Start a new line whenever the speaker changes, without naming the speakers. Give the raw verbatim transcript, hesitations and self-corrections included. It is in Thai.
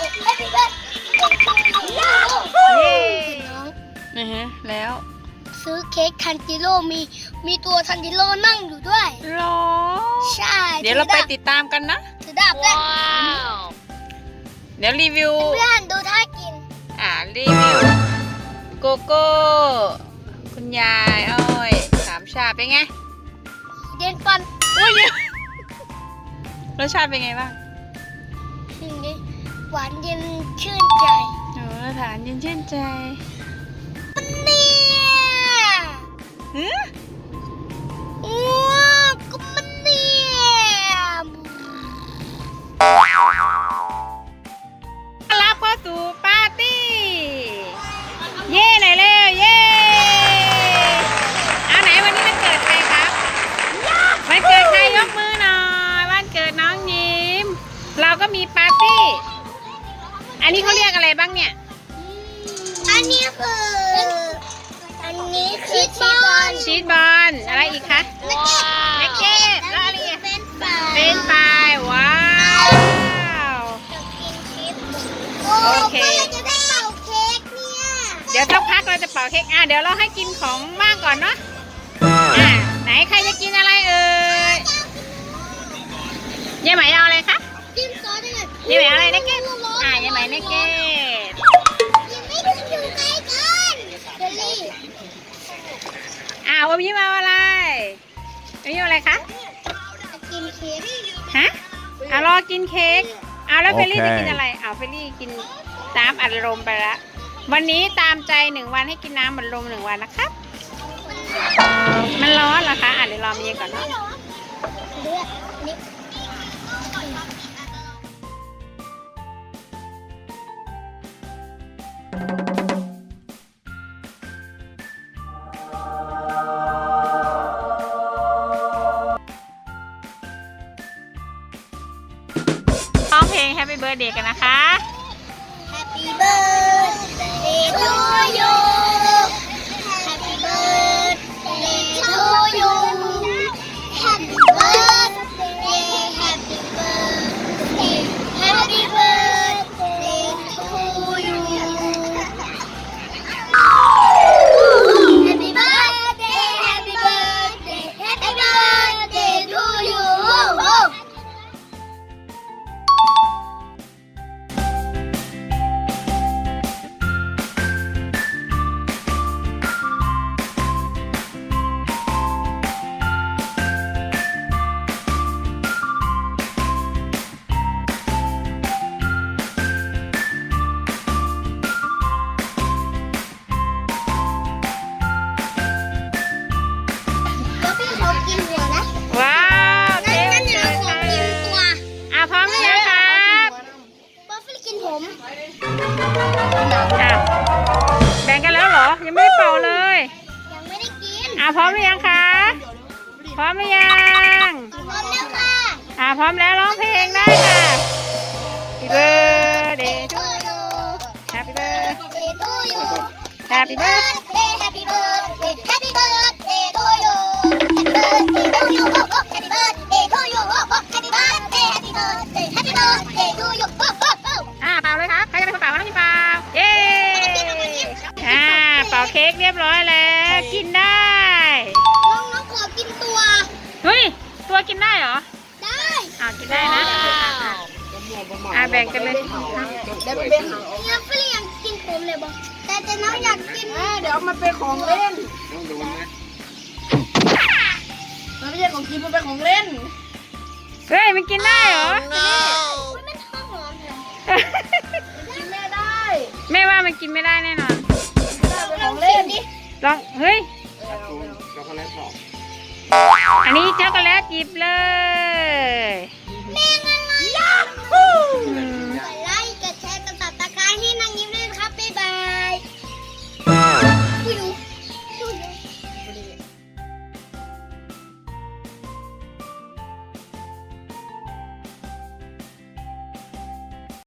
Happy birthday
เย้นะฮะแล้ว
ซื้อเค้กทันจิโร่มีมีตัวทันจิโร่นั่งอยู่ด้วย
รอ
ใช่
เดี๋ยวเราไปติดตามกันนะ
ถือดาบด้วย
เดี๋ยวรีวิว
เพื่อนดูท่ากิน
อ่ารีวิวโกโก้คุณยายอ้อยสามชาเป็นไง
เด่นฟัน
อุ้ยรสชาติเป็นไงบ้าง
สิ่งนี้หวานเย็นชื่นใจ
โอ้ฐานเย็นชื่นใจ
เนี่ย
หือ
ว้าวก็มันเนี่ย
รับเข้าสู่ปาร์ตี้ เย่หน่อยเร็วเย่เอาไหนวันนี้มันเกิดใครครับวันเกิดใครยกมือหน่อยวันเกิดน้องยิ้ม เราก็มีปาร์ตี้ อันนี้เขาเรียกอะไรบ้างเนี่ย
อันนี้คือ อันนี้คือชีสบอล
ชีสบอลอะไรอีกคะ
นักเก็ต
นักเก็ตแล้วอะไรอีก
เป็นปลา
เป็นปลายว้าว
กินชีส
โอเค
ก็เลยจะได้เป่าเค้กเนี่ย
เดี๋ยวสักพักเราจะเป่าเค้กอ่ะเดี๋ยวเราให้กินของบ้างก่อนเนาะอ่ะไหนใครจะกินอะไรเอ่ยยายไหมเอาอะไรคะ
จิ้มซอสได้เลย
ยายไหมเอาอะไรนักเก็ตอ่ะยายไหมนักเก็ต
ยังไม่ถึงอยู่ใกล้กันเชอรี่
อ่ะวันนี้มาอะไรวันนี้มาอะไรคะ
จะกินเค้ก
ฮะอ่ะรอกินเค้กอ่ะแล้วเฟรลี่
โอเค
จะกินอะไรอ่ะเฟรลี่กินน้ำอัดลมไปละวันนี้ตามใจหนึ่งวันให้กินน้ำอัดลมหนึ่งวันนะครับ มันร้อนเหรอคะอ่ะเดี๋ยวรอมีก่อนเนาะ
เลือดนี่
ร้องเพลง Happy Birthday กันนะคะ
Happy birthday to you Happy birthday to you Happy birthday Happy birthday Happy birthday to you Happy birthday Happy birthday Happy birthday to youแล้วพี่เขากินหัวนะ
ว้าวเค้ก
งั้
วัน
นเดี๋ย
เกิ
ว
ด
เราขอ
ค่ะ
กินตัว
อ่ะพร้อมหรือยังครับ
บอฟฟี่กินผม
อ่ะแบ่งกันแล้วเหรอ ยังไม่ได้เป่าเลย
ยังไม่ได้กิน
อ่ะพร้อมหรือยังคะ พร้อมหรือยัง
พร้อมแล้วค่ะ
อ่ะพร้อมแล้วร้องเพลงได้ค่ะ Happy birthday to you Happy birthday
Happy to you
Happy birthday
Happy birthday Happy birthday to you Happy birthday to you oh, oh, Happy birthday to you oh, oh, Happy birthday Happy birthday Happy birthday to you oh, oh, oh.
อ่ะเป่าเลยครับ ใครจะเป็นคนเป่าน้องพี่เป่า เย้อ่าเป่าเค้กเรียบร้อยแล้ว กินได้
น้องน้องขอกินตัว
เฮ้ย ตัวกินได้เหรอ
ได้
อ่ากินได้นะอ่าแบ่งกันเลย
เนี่ยฟรียังกินผมเลยบอกแต่แต่น้องอยากกิน
เดี๋ยวมันเป็นของเล่น มันไม่ใช่ของกิน มันเป็นของเล่น
เฮ้ย มันกินได้เหรอ
มันไม่ท้องหอมเลย
กินแม่ได้
แม่ว่ามันกินไม่ได้แน่นอน
เป็นของเล่น
ลอง เฮ้ย อันนี้ช็อกโกแลตหยิบเลย